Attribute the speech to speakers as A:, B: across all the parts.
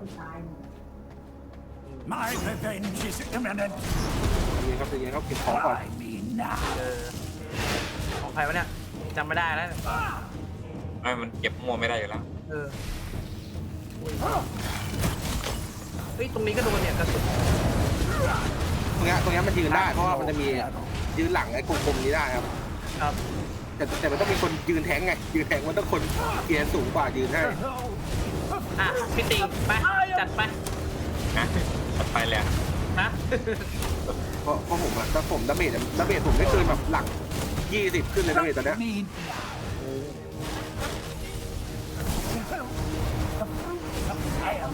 A: My revenge is imminent.
B: เย็นครับเย็นครับเก็บของก่อน
A: Try me now.
C: ของใครวะเนี่ยจำไม่ได้แล้ว
D: ไม่มันเก็บมั่วไม่ได้อยู่แล้ว
C: เฮ้ยตรงนี้ก็โดนเนี่ยกระสุน
B: ตรงนี้มันยืนได้เพราะว่ามันจะมียืนหลังไอ้กลมๆนี้ได้ครับ
C: ครับ
B: แต่มันต้องมีคนยืนแทงไงยืนแทงมันต้องคนเกียร์สูงกว่ายืนให้
C: อ่ะพี่ติงไปจัดไป
D: นะตัดไปเลย
C: นะ
B: เพราะผมอะถ้าผมดาเมจผมไม่เกินแบบหลัง20ขึ้นเลยดาเมจตอนเนี้ย
A: Me now. The fruits of fire.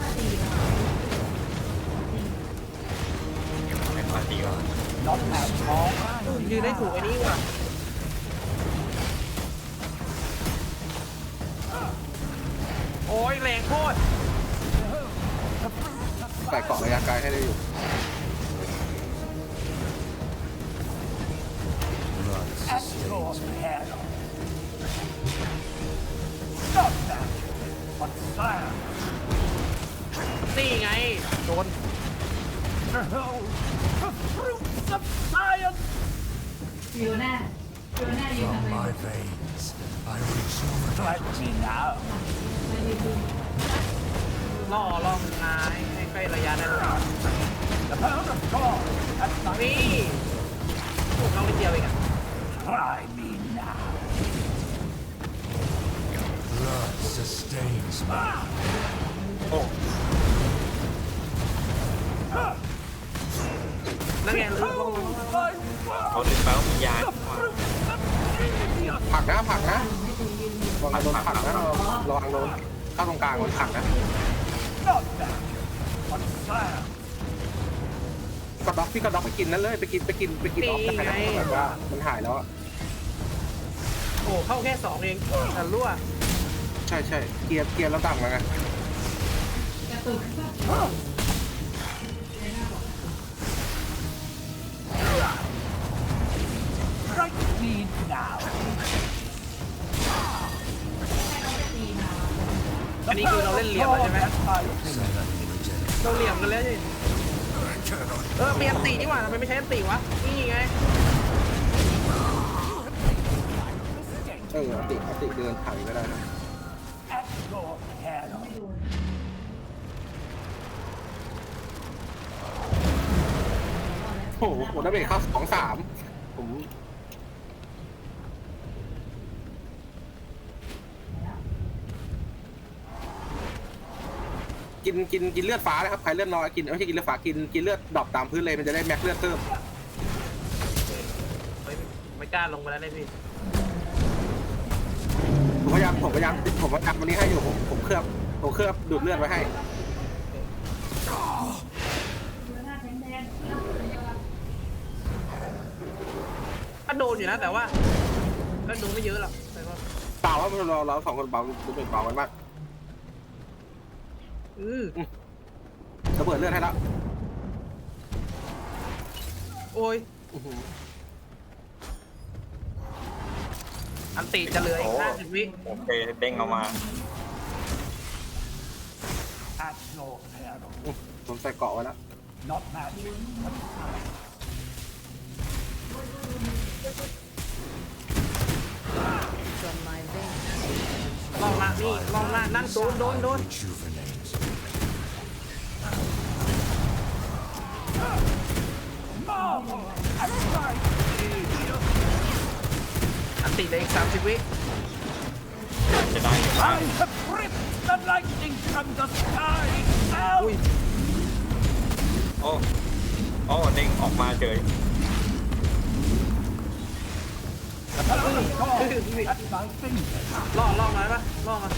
D: ไม่พอดีก็
A: Not as small.
C: ยืนได้ถูกไอ้นี่ว่ะโอ้ยแรงโคตร
B: ใส่เกาะระยะไกลให้ได้อยู่
A: At your peril. Not that, but fire.
C: นี่ไงโดน
A: Behold the fruits of science.
E: อยู่หน้าอยู่หน้าอยู่ทำไม
A: My veins, I resume plenty now.
E: ไม่ได้ดู
C: ล่อล่องนายให้ใกล้ระยะนั้น
A: The pound of God at my
C: นี่ถูกน้องนิดเดียวเองอะ
A: Try me now. Blood sustains me.
D: โอ้
C: นั่นไงลืม
D: เขาดึงไปว่ามียาดีกว่า
B: ผลักนะระวังโดนผลักนะระวังโดนเข้าตรงกลางมันผลักนะ
A: Not that, but fire.
B: กระด็อกพี่กระด็อกไปกินนั่นเลยไปกินออฟได้นะแบบว่ามันหายแล้วอะ
C: โอ้เข้าแค่2เองแต่รั่ว
B: ใช่เกียร์แล้วต่ำแล้วไง
E: กระตุก
A: Strike me now.
C: อันนี้คือเราเล่นเหลี่ยมแล้วใช่ไหม
A: At my feet.
C: เราเหลี่ยมกันแล้วนี่เปลี่ยนตีนี่หว่าทำไมไม่ใช้อันตีวะนี่ไง
B: อติเดินถ่ายไม่ได้นะ
A: At your peril.
B: โอ้โหดาเมจเข้า2-3ผมกินเลือดฟ้านะครับใครเลือดน้อยกินไม่ใช่กินเลือดฟ้ากินเลือดดรอปตามพื้นเลยมันจะได้แม็กเลือดเพิ่ม
C: เฮ้ยไม่กล้าลงไปแล้วเลยพี่
B: ผมพยายามวันนี้ให้อยู่ผมเคลือบดูดเลือดไว้ให้
C: ก็โดนอยู่นะแต่ว่าก็โดนไม่เยอะหรอกแต่ก็
B: เปล่าว่าเรา2คนเบาดูเป็นเบากันมาก ระเบิดเลือดให้แล้ว
C: โอ้ยอันติจะเหลืออีก50 วิ
D: โอเคเด้งออกมา
A: At your peril.
B: ผมใส่เกาะไว้แล้ว
A: Not magic, but fire.
C: ลองละนี่ลองละนั่นโดน
A: Rejuvenate. Marvel at my genius.
C: อันติเหลืออีก30 วิ
D: จะได้หรือเปล่า
A: I have ripped the lightning from the sky
C: อุ้ย
A: out.
D: โอ้เด้งออกมาเฉย
A: The power of God at my fingers.
C: ล่อหน่อยปะล่อมา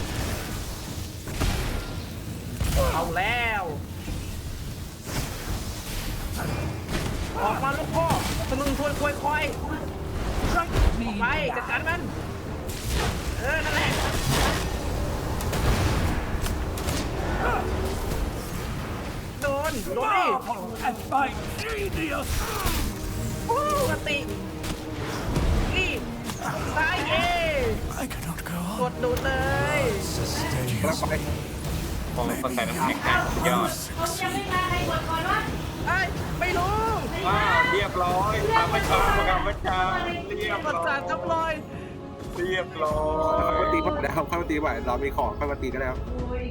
C: เอาแล้วออกมาลูกพ่อตะลึงทวนควยควาย
A: Strike me
C: ไปจัดการมันนั่นแหละโดนดิ
A: marvel at my genius.
C: อันตินี่ตายเอง
A: I cannot go
C: กดดูดเลย
A: Sustain
B: แล้วไป
D: พอเขาใส่น้ำแข็งให้สุดยอด
E: เขายังไม่มาใครกดก่อนวะ
C: ไอ้ไม่รู้
D: ว้าวเรียบร้อยข้าพเจ้าเรียบ
C: ประ
D: ร้อ
C: สาททับลอย
D: เรียบร้อ
B: เข้าย มาตีก่อนแล้วเข้ามาตีบ่อยเรามีของเข้ามาตีก็แล้ว
E: โอ้